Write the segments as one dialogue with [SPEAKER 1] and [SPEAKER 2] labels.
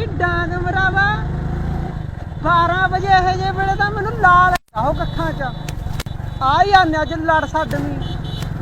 [SPEAKER 1] ਨੀ ਡਾਂਗ ਮਰਾਵਾ 12 ਵਜੇ ਇਹ ਜੇ ਵੇਲੇ ਤਾਂ ਮੈਨੂੰ ਲਾਲ ਆਹੋ ਕੱਖਾਂ ਚ ਆ ਹੀ ਆਨੇ ਅੱਜ ਲੜ ਛੱਡਵੀਂ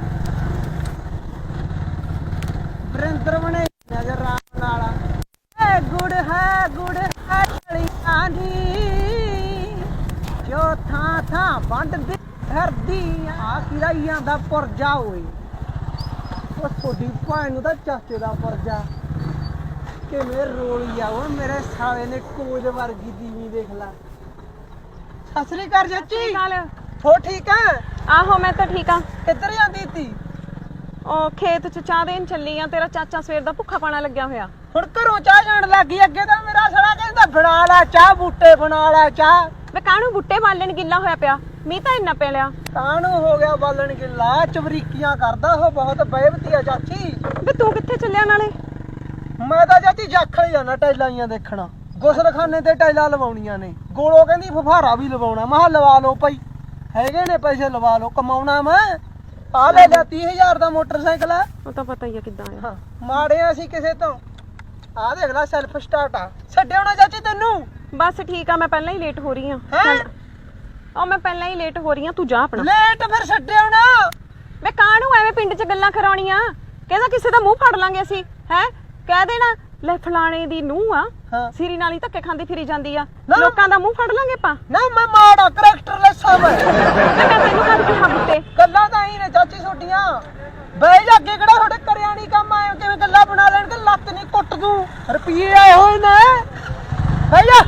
[SPEAKER 1] ਵਰਿੰਦਰ ਬਣੇ ਨਜ਼ਰ ਰਾਮ ਨਾਲ ਏ ਗੁੜ ਹੈ ਕਲੀਆਂ ਦੀ ਜੋ ਥਾਂ ਥਾਂ ਵੰਡਦੀ ਫਿਰਦੀ ਆ ਕਿਹਦਾ ਹੀ ਆਂਦਾ ਪੁਰਜਾ ਓਏ ਉਹ ਤੁਹਾਡੀ ਭੈਣ ਨੂੰ ਤਾਂ ਚਾਚੇ ਦਾ ਪੁਰਜਾ ਕਿਵੇਂ ਰੋਲੀ ਆ ਉਹ ਮੇਰੇ ਸਾਲੇ ਨੇ ਕੋਜ ਵਰਗੀ ਦੀਵੀ ਦੇਖ ਲਾ ਸਤਿ ਸ੍ਰੀ ਅਕਾਲ ਚਾਚੀ ਹੋ ਠੀਕ ਆ
[SPEAKER 2] ਆਹੋ ਮੈਂ ਤਾਂ ਠੀਕ ਆ
[SPEAKER 1] ਕਿੱਧਰ ਜਾਂਦੀ ਤੀ
[SPEAKER 2] ਉਹ ਖੇਤ ਚ ਚਾਹ ਦੇਣ ਚੱਲੀ ਆ ਤੇਰਾ ਚਾਚਾ ਸਵੇਰ ਦਾ ਭੁੱਖਾ ਪਾਣਾ ਲੱਗਿਆ ਹੋਇਆ
[SPEAKER 1] ਹੁਣ ਘਰੋਂ ਚਾਹ ਜਾਣ ਲੱਗੀ ਅੱਗੇ ਤਾਂ ਮੇਰਾ ਸਾਲਾ ਕਹਿੰਦਾ ਬਣਾ ਲੈ ਚਾਹ ਬੂਟੇ ਬਣਾ ਲੈ ਚਾਹ
[SPEAKER 2] ਵੇ ਕਾਹਨੂੰ ਬੁੱਟੇ ਬਾਲਣ ਗਿੱਲਾ ਹੋਇਆ ਪਿਆ ਮੀਂਹ ਤਾਂ ਇੰਨਾ ਪੈ ਲਿਆ
[SPEAKER 1] ਕਾਹਨੂੰ ਹੋ ਗਿਆ ਬਾਲਣ ਗਿੱਲਾ ਚਵਰੀਕੀਆਂ ਕਰਦਾ ਉਹ ਬਹੁਤ ਬੇਵਤੀ ਆ ਚਾਚੀ
[SPEAKER 2] ਵੇ ਤੂੰ ਕਿੱਥੇ ਚੱਲਿਆ ਨਾਲੇ
[SPEAKER 1] ਮੈਂ ਤਾਂ ਚਾਚੀ ਜਾਖਲ ਜਾਣਾ ਟੈਲਾਈਆਂ ਦੇਖਣਾ ਗੁਸਲਖਾਨੇ ਤੇ ਟੈਲਾਂ ਲਵਾਉਣੀਆਂ ਨੇ ਗੋਲੋ ਕਹਿੰਦੀ ਫਫਾਰਾ ਵੀ ਲਵਾਉਣਾ ਮੈਂ ਕਿਹਾ ਲਵਾ ਲਓ ਭਾਈ ਹੈਗੇ ਨੇ ਪੈਸੇ ਲਵਾ ਲਓ ਕਮਾਉਣਾ ਮੈਂ ਆ ਲੈ ਲਿਆ 30000 ਦਾ ਮੋਟਰਸਾਈਕਲ ਆ
[SPEAKER 2] ਉਹ ਤਾਂ ਪਤਾ ਹੀ ਆ ਕਿੱਦਾਂ ਆ
[SPEAKER 1] ਹਾਂ ਮਾੜੇ ਆ ਅਸੀਂ ਕਿਸੇ ਤੋਂ ਆ ਦੇਖ ਲੈ ਸੈਲਫ ਸਟਾਰਟ ਆ ਛੱਡਿਓ ਨਾ ਚਾਚੀ ਤੈਨੂੰ
[SPEAKER 2] ਬਸ ਠੀਕ ਆ ਮੈਂ ਪਹਿਲਾਂ ਹੀ ਲੇਟ ਹੋ ਰਹੀ ਆ ਉਹ ਮੈਂ ਪਹਿਲਾਂ ਹੀ ਲੇਟ ਹੋ ਰਹੀ ਆ ਤੂੰ ਜਾ ਆਪਣਾ
[SPEAKER 1] ਲੇਟ ਫਿਰ ਛੱਡਿਓ ਨਾ
[SPEAKER 2] ਵੇ ਕਾਹਨੂੰ ਐਵੇਂ ਪਿੰਡ 'ਚ ਗੱਲਾਂ ਕਰਾਉਣੀਆਂ ਕਹਿੰਦਾ ਕਿਸੇ ਦਾ ਮੂੰਹ ਫੜ ਲਾਂਗੇ ਅਸੀਂ ਹੈ ਕਹਿ ਦੇਣਾ ਲੈ ਫਲਾਣੇ ਦੀ ਨੂੰਹ ਆ ਸਿਰੀ ਨਾਲ ਹੀ ਧੱਕੇ ਖਾਂਦੀ ਫਿਰੀ ਜਾਂਦੀ ਆ ਲੋਕਾਂ ਦਾ ਮੂੰਹ ਫੜ ਲਾਂਗੇ ਆਪਾਂ
[SPEAKER 1] ਨਾ ਮੈਂ ਮਾੜਾ ਕਰੈਕਟਰਲੈਸ ਆ ਮੈਂ
[SPEAKER 2] ਤੈਨੂੰ ਕਦ ਕਿਹਾ ਬੁੱਤੇ
[SPEAKER 1] ਗੱਲਾਂ ਤਾਂ ਹੀ ਨੇ ਚਾਚੀ ਛੋਟੀਆਂ ਬਈ ਜਾ ਅੱਗੇ ਕਿਹੜਾ ਤੁਹਾਡੇ ਕਰਿਆ ਨਹੀਂ ਕੰਮ ਆਏ ਕਿਵੇਂ ਗੱਲਾਂ ਬਣਾ ਲੈਣਗੇ ਲੱਤ ਨਹੀਂ ਕੁੱਟ ਦੂੰ ਰੁਪਈਏ ਆਏ ਹੋਏ ਨੇ ਬਈ ਜਾ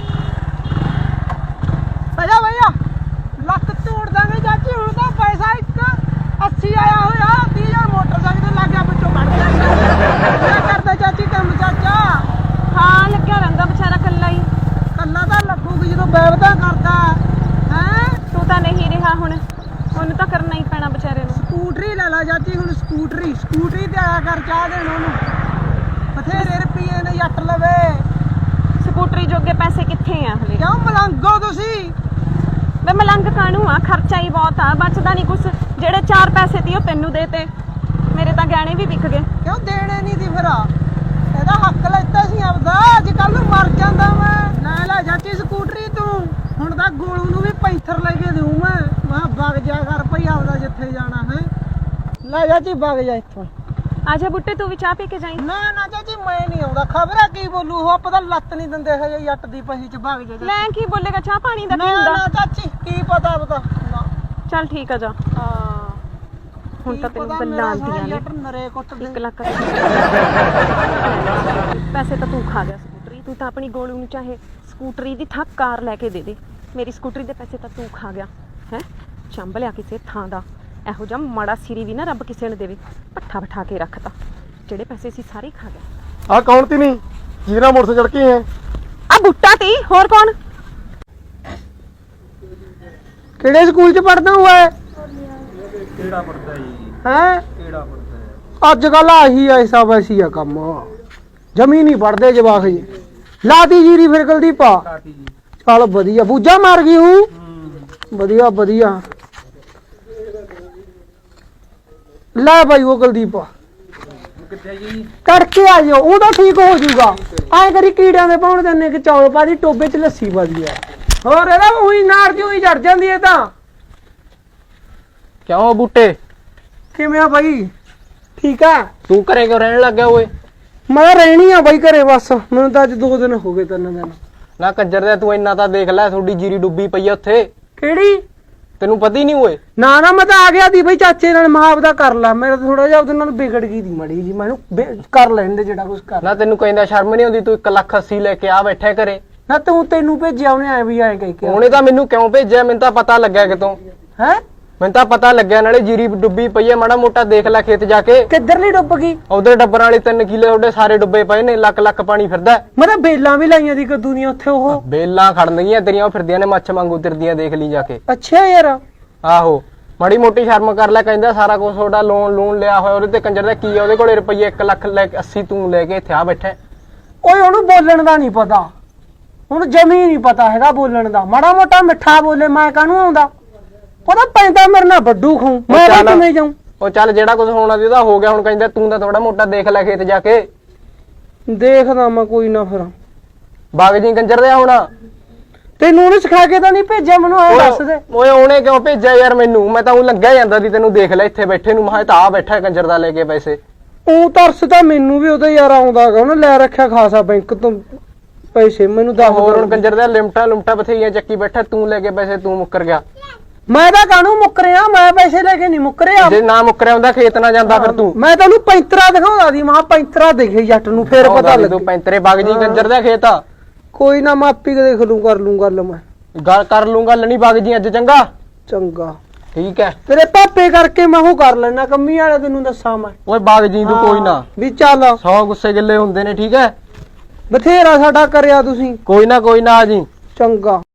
[SPEAKER 1] ਭਈਆ ਲੱਤ ਤੋੜ ਦਾਂਗੇ ਚਾਚੀ ਹੁਣ ਤਾਂ ਪੈਸਾ ਇੱਕ 80 ਆਇਆ ਹੋਇਆ 30000 ਮੋਟਰਸਾਈਕਲ ਤੇ ਲੱਗ ਗਿਆ ਵਿੱਚੋਂ ਕੱਢ ਕੇ ਕਰਦਾ ਚਾਚੀ ਕੰਮ ਚਾਚਾ
[SPEAKER 2] ਹਾਂ ਲੱਗਿਆ ਰਹਿੰਦਾ ਵਿਚਾਰਾ ਕੱਲਾ ਹੀ
[SPEAKER 1] ਕੱਲਾ ਤਾਂ ਲੱਗੂਗੀ ਜਦੋਂ ਬੈਵਦਾ ਕਰਦਾ ਹੈ
[SPEAKER 2] ਤੂੰ ਤਾਂ ਨਹੀਂ ਰਿਹਾ ਹੁਣ ਉਹਨੂੰ ਤਾਂ ਕਰਨਾ ਹੀ ਪੈਣਾ ਵਿਚਾਰੇ ਨੂੰ
[SPEAKER 1] ਸਕੂਟਰੀ ਲੈ ਲਾ ਚਾਚੀ ਹੁਣ ਸਕੂਟਰੀ ਤੇ ਆਇਆ ਕਰ ਚਾਹ ਦੇਣ ਉਹਨੂੰ ਬਥੇਰੇ ਰੁਪਈਏ ਨੇ ਜੱਟ ਲਵੇ
[SPEAKER 2] ਸਕੂਟਰੀ ਜੋਗੇ ਪੈਸੇ ਕਿੱਥੇ ਆ ਹਲੇ
[SPEAKER 1] ਕਿਉਂ ਮਲੰਗੋ ਤੁਸੀਂ
[SPEAKER 2] ਵੇ ਮਲੰਗ ਕਾਹਨੂੰ ਆ ਖਰਚਾ ਹੀ ਬਹੁਤ ਆ ਬਚਦਾ ਨਹੀਂ ਕੁਛ ਜਿਹੜੇ 4 ਪੈਸੇ ਤੀ ਉਹ ਤੈਨੂੰ ਦੇਤੇ ਮੇਰੇ ਤਾਂ ਗਹਿਣੇ ਵੀ ਵਿਕ ਗਏ
[SPEAKER 1] ਕਿਉਂ ਦੇਣੇ ਨਹੀਂ ਦੀ ਫਿਰ ਇਹਦਾ ਹੱਕ ਲੈਤਾ ਸੀ ਆਪਦਾ ਅੱਜ ਕੱਲ ਨੂੰ ਮਰ ਜਾਂਦਾ ਮੈਂ ਨਾ ਲੈ ਚਾਚੀ ਸਕੂਟਰੀ ਤੂੰ ਹੁਣ ਤਾਂ ਗੋਲੂ ਨੂੰ ਵੀ ਪੈਂਥਰ ਲੈ ਕੇ ਦੇਉ ਮੈਂ ਵਗ ਜਾ ਕਰ ਭਈ ਆਪਦਾ ਜਿੱਥੇ ਜਾਣਾ ਹੈ ਲੈ ਚਾਚੀ ਵਗ ਜਾ ਇੱਥੋਂ
[SPEAKER 2] ਆਜਾ ਬੁੱਟੇ ਤੂੰ ਵੀ ਚਾਹ ਪੀ ਕੇ ਜਾਈਂ
[SPEAKER 1] ਨਾ ਚਾਚੀ ਮੈਂ ਨਹੀਂ ਆਉਂਦਾ ਖਬਰਾਂ ਕੀ ਬੋਲੂ ਉਹ ਪਤਾ ਲੱਤ ਨਹੀਂ ਦਿੰਦੇ ਹਜੇ ਜੱਟ ਦੀ ਪਹੀ ਚ ਵਗ ਜਾ
[SPEAKER 2] ਲੈ ਕੀ ਬੋਲੇਗਾ ਚਾਹ ਪਾਣੀ ਦਾ ਕੀ
[SPEAKER 1] ਨਾ
[SPEAKER 2] ਹੁੰਦਾ
[SPEAKER 1] ਚਾਚੀ ਕੀ ਪਤਾ ਨਾ
[SPEAKER 2] ਚੱਲ ਠੀਕ ਆ ਜਾ
[SPEAKER 1] ਹਾਂ
[SPEAKER 2] ਹੁਣ ਤਾਂ ਤੈਨੂੰ ਗੱਲਾਂ ਆਉਂਦੀਆਂ ਨੇ
[SPEAKER 1] ਜੱਟ ਨਰੇ ਕੁੱਟ ਦੇ
[SPEAKER 2] 1 ਲੱਖ ਪੈਸੇ ਤਾਂ ਤੂੰ ਖਾ ਗਿਆ ਸਕੂਟਰੀ ਤੂੰ ਤਾਂ ਆਪਣੀ ਗੋਲੂ ਨੂੰ ਚਾਹੇ ਸਕੂਟਰੀ ਦੀ ਥਾਂ ਕਾਰ ਲੈ ਕੇ ਦੇ ਦੇ ਮੇਰੀ ਸਕੂਟਰੀ ਦੇ ਪੈਸੇ ਤਾਂ ਤੂੰ ਖਾ ਗਿਆ ਹੈ ਚੰਬ ਲਿਆ ਕਿਸੇ ਥਾਂ ਦਾ ਇਹੋ ਜਿਹਾ ਮਾੜਾ ਸਿਰੀ ਵੀ ਨਾ ਰੱਬ ਕਿਸੇ ਨੂੰ ਦੇਵੇ ਪੱਠਾ ਬਿਠਾ ਕੇ ਰੱਖਤਾ ਜਿਹੜੇ ਪੈਸੇ ਸੀ ਸਾਰੇ ਖਾ ਗਿਆ
[SPEAKER 3] ਆ ਕੌਣ ਤੀ ਨਹੀਂ ਜਿਹਦੇ ਨਾਲ ਮੋਟਰਸਾਈਕਲ ਚੜ ਕੇ ਹੈ
[SPEAKER 2] ਆ ਬੁੱਟਾ ਤੀ ਹੋਰ ਕੌਣ
[SPEAKER 1] ਕਿਹੜੇ ਸਕੂਲ ਚ ਪੜਦਾ ਹੁਆ ਹੈ
[SPEAKER 3] ਕਿਹੜਾ ਪੜਦਾ ਜੀ
[SPEAKER 1] ਹੈ
[SPEAKER 3] ਕਿਹੜਾ ਪੜਦਾ
[SPEAKER 1] ਅੱਜ ਕੱਲ ਆਹੀ ਐਸਾ ਵੈਸੀ ਆ ਕੰਮ ਜਮੀ ਨਹੀਂ ਪੜਦੇ ਜਵਾਕ ਜੀ ਲਾਤੀ ਜੀਰੀ ਫਿਰ ਕੁਲਦੀਪਾ
[SPEAKER 3] ਕਾਟੀ ਜੀ
[SPEAKER 1] ਚੱਲ ਵਧੀਆ ਬੂਝਾ ਮਾਰ ਗਈ ਹੂੰ ਵਧੀਆ ਲੈ ਭਾਈ ਉਹ ਕੁਲਦੀਪਾ
[SPEAKER 3] ਕਿੱਥੇ ਜੀ
[SPEAKER 1] ਕਰਕੇ ਆ ਜਾਓ ਉਹ ਤਾਂ ਠੀਕ ਹੋ ਜਾਊਗਾ ਐ ਕਰੀ ਕੀੜਿਆਂ ਦੇ ਪਾਉਣ ਦਿੰਨੇ ਕਿ ਚੌਲ ਪਾ ਦੀ ਟੋਬੇ ਚ ਲੱਸੀ ਪਾ ਦੀ ਆ ਹੋਰ ਇਹਦਾ ਉਹੀ ਨਾਰ ਜੀ ਉਹੀ ਚੜ ਜਾਂਦੀ ਹੈ ਤਾਂ
[SPEAKER 3] ਕਿਉਂ ਬੂਟੇ
[SPEAKER 1] ਕਿਵੇਂ ਆ ਬਾਈ ਠੀਕ ਆ
[SPEAKER 3] ਤੂੰ ਘਰੇ ਕਿਉਂ ਰਹਿਣ ਲੱਗ ਗਿਆ ਓਏ
[SPEAKER 1] ਮੈਂ ਰਹਿਣੀ ਆ ਬਾਈ ਘਰੇ ਬਸ ਮੈਨੂੰ ਤਾਂ ਅੱਜ 2 ਦਿਨ ਹੋ ਗਏ 3 ਦਿਨ
[SPEAKER 3] ਨਾ ਕੰਜਰ ਦੇ ਤੂੰ ਇੰਨਾ ਤਾਂ ਦੇਖ ਲੈ ਤੁਹਾਡੀ ਜੀਰੀ ਡੁੱਬੀ ਪਈ ਆ ਉੱਥੇ
[SPEAKER 1] ਕਿਹੜੀ
[SPEAKER 3] ਤੈਨੂੰ ਪਤਾ ਹੀ ਨਹੀਂ ਓਏ
[SPEAKER 1] ਨਾ ਮੈਂ ਤਾਂ ਆ ਗਿਆ ਦੀ ਬਈ ਚਾਚੇ ਨਾਲ ਮਹਾਬ ਦਾ ਕਰ ਲਾ ਮੇਰਾ ਥੋੜਾ ਜਿਹਾ ਉਹਦੇ ਨਾਲ ਵਿਗੜ ਗਈ ਦੀ ਮੜੀ ਜੀ ਮੈਨੂੰ ਕਰ ਲੈਣ ਦੇ ਜਿਹੜਾ ਕੁਝ ਕਰ
[SPEAKER 3] ਨਾ ਤੈਨੂੰ ਕਹਿੰਦਾ ਸ਼ਰਮ ਨਹੀਂ ਆਉਂਦੀ ਤੂੰ 1,80,000 ਲੈ ਕੇ ਆ ਬੈਠਾ ਘਰੇ
[SPEAKER 1] ਨਾ ਤੈਨੂੰ ਭੇਜਿਆ ਉਹਨੇ ਐ ਵੀ ਐ ਕਹਿ ਕੇ
[SPEAKER 3] ਉਹਨੇ ਤਾਂ ਮੈਨੂੰ ਕਿਉਂ ਭੇਜਿਆ ਮੈਨੂੰ ਤਾਂ ਪਤਾ ਲੱਗਿਆ ਕਿਤੋਂ
[SPEAKER 1] ਹੈ
[SPEAKER 3] ਮੈਨੂੰ ਤਾਂ ਪਤਾ ਲੱਗਿਆ ਨਾਲੇ ਜੀਰੀ ਡੁੱਬੀ ਪਈ ਹੈ ਮਾੜਾ ਮੋਟਾ ਦੇਖ ਲੈ ਖੇਤ ਜਾ ਕੇ
[SPEAKER 1] ਕਿੱਧਰਲੀ ਡੁੱਬ ਗਈ
[SPEAKER 3] ਉਧਰ ਡੱਬਰਾਂ ਵਾਲੇ 3 ਕਿੱਲੇ ਤੁਹਾਡੇ ਸਾਰੇ ਡੁੱਬੇ ਪਏ ਨੇ ਲੱਖ ਪਾਣੀ ਫਿਰਦਾ
[SPEAKER 1] ਮੈਂ ਤਾਂ ਬੇਲਾਂ ਵੀ ਲਾਈਆਂ ਦੀ ਕਦੂ ਦੀਆਂ ਉੱਥੇ ਉਹ
[SPEAKER 3] ਬੇਲਾਂ ਖੜਨਗੀਆਂ ਤੇਰੀਆਂ ਉਹ ਫਿਰਦੀਆਂ ਨੇ ਮੱਛ ਵਾਂਗੂ ਤਿਰਦੀਆਂ ਦੇਖ ਲਈ ਜਾ ਕੇ
[SPEAKER 1] ਅੱਛਾ ਯਾਰ
[SPEAKER 3] ਆਹੋ ਮਾੜੀ ਮੋਟੀ ਸ਼ਰਮ ਕਰ ਲੈ ਕਹਿੰਦਾ ਸਾਰਾ ਕੁਝ ਤੁਹਾਡਾ ਲੋਨ ਲਿਆ ਹੋਇਆ ਉਹਦੇ ਤੇ ਕੰਜਰ ਦਾ ਕੀ ਆ ਉਹਦੇ ਕੋਲੇ ਰੁਪਈਏ 1,80,000 ਤੂੰ ਲੈ ਕੇ ਇੱਥੇ ਆ ਬੈਠਾ
[SPEAKER 1] ਓਏ ਉਹਨੂੰ ਬੋਲਣ ਦਾ ਨਹੀਂ ਪਤਾ ਉਹਨੂੰ ਜਮੀ ਨਹੀਂ ਪਤਾ ਹੈਗਾ ਬੋਲਣ ਦਾ ਮਾੜਾ ਮੋਟਾ ਮਿੱਠਾ ਬੋਲੇ ਮੈਂ ਕਾਹਨੂੰ ਆਉਂਦਾ ਉਹਦਾ ਪੈਂਦਾ ਮੇਰੇ ਨਾਲ ਵੱਡੂ ਖਾਉ ਮੈਂ ਕਿਵੇਂ ਜਾਉਂ
[SPEAKER 3] ਉਹ ਚੱਲ ਜਿਹੜਾ ਕੁਝ ਹੋਣਾ ਸੀ ਉਹਦਾ ਹੋ ਗਿਆ ਹੁਣ ਕਹਿੰਦਾ ਤੂੰ ਤਾਂ ਥੋੜਾ ਮੋਟਾ ਦੇਖ ਲੈ ਖੇਤ ਜਾ ਕੇ
[SPEAKER 1] ਦੇਖਦਾ ਮੈਂ ਕੋਈ ਨਾ ਫਿਰ
[SPEAKER 3] ਬਾਗ ਜੀ ਕੰਜਰ ਦੇ ਹੁਣ
[SPEAKER 1] ਤੈਨੂੰ ਉਹਨੇ ਸਿਖਾ ਕੇ ਤਾਂ ਨਹੀਂ ਭੇਜਿਆ, ਮੈਨੂੰ ਐ ਦੱਸ ਦੇ।
[SPEAKER 3] ਓਏ ਉਹਨੇ ਕਿਉਂ ਭੇਜਿਆ ਯਾਰ ਮੈਨੂੰ? ਮੈਂ ਤਾਂ ਉਹ ਲੰਘਿਆ ਜਾਂਦਾ ਸੀ, ਤੈਨੂੰ ਦੇਖ ਲੈ ਇੱਥੇ ਬੈਠੇ ਨੂੰ, ਮੈਂ ਤਾਂ ਆ ਬੈਠਾ ਕੰਜਰ ਦਾ ਲੈ ਕੇ ਪੈਸੇ।
[SPEAKER 1] ਉਹ ਤਰਸ ਤਾਂ ਮੈਨੂੰ ਵੀ ਉਹਦਾ ਯਾਰ ਆਉਂਦਾ ਗਾ, ਉਹਨੇ ਲੈ ਰੱਖਿਆ ਖਾਸਾ ਬੈਂਕ ਤੋਂ ਪੈਸੇ। ਮੈਨੂੰ ਦੱਸ
[SPEAKER 3] ਹੋਰ ਹੁਣ ਕੰਜਰ ਦਾ ਲਿਮਟਾਂ ਬਥੇਰੀਆਂ ਚੱਕੀ ਬੈਠਾ, ਤੂੰ ਲੈ ਕੇ ਪੈਸੇ ਤੂੰ ਮੁੱਕਰ ਗਿਆ।
[SPEAKER 1] ਮੈਂ ਤਾਂ ਕਾਹਨੂੰ ਮੁੱਕਰਿਆ, ਮੈਂ ਪੈਸੇ ਲੈ ਕੇ ਨਹੀਂ ਮੁੱਕਰਿਆ।
[SPEAKER 3] ਜੇ ਨਾ ਮੁੱਕਰਿਆ ਹੁੰਦਾ ਖੇਤ ਨਾ ਜਾਂਦਾ ਫਿਰ ਤੂੰ।
[SPEAKER 1] ਮੈਂ ਤੈਨੂੰ ਪੈਂਤਰਾ ਦਿਖਾਉਂਦਾ ਸੀ, ਮਹਾ ਪੈਂਤਰਾ ਦਿਖੇ ਜੱਟ ਨੂੰ, ਫੇਰ ਪਤਾ
[SPEAKER 3] ਤੂੰ
[SPEAKER 1] ਲੱਗੂ।
[SPEAKER 3] ਪੈਂਤਰੇ ਬਾਗ ਜੀ ਕੰਜਰ ਦਾ ਖੇਤ ਆ।
[SPEAKER 1] ਕੋਈ ਨਾ, ਮੈਂ ਆਪੀ ਦੇਖ ਲੂੰ, ਕਰ ਲੂੰ ਗੱਲ ਮੈਂ।
[SPEAKER 3] ਗੱਲ ਕਰ ਲੂੰਗਾ, ਲਣੀ ਬਾਗ ਜੀ ਅੱਜ ਚੰਗਾ।
[SPEAKER 1] ਚੰਗਾ
[SPEAKER 3] ਠੀਕ ਹੈ।
[SPEAKER 1] ਤੇਰੇ ਪਾਪੇ ਕਰਕੇ ਮੈਂ ਉਹ ਕਰ ਲੈਣਾ, ਕੰਮੀ ਵਾਲੇ ਤੈਨੂੰ ਦੱਸਾਂ ਮੈਂ।
[SPEAKER 3] ਓਏ ਬਾਗ ਜੀ ਤੂੰ ਕੋਈ ਨਾ,
[SPEAKER 1] ਵੀ ਚੱਲ
[SPEAKER 3] 100 ਗੁੱਸੇ ਗਿੱਲੇ ਹੁੰਦੇ ਨੇ, ਠੀਕ ਹੈ।
[SPEAKER 1] ਬਥੇਰਾ ਸਾਡਾ ਕਰਿਆ ਤੁਸੀਂ।
[SPEAKER 3] ਕੋਈ ਨਾ ਆ ਜੀ।
[SPEAKER 1] ਚੰਗਾ।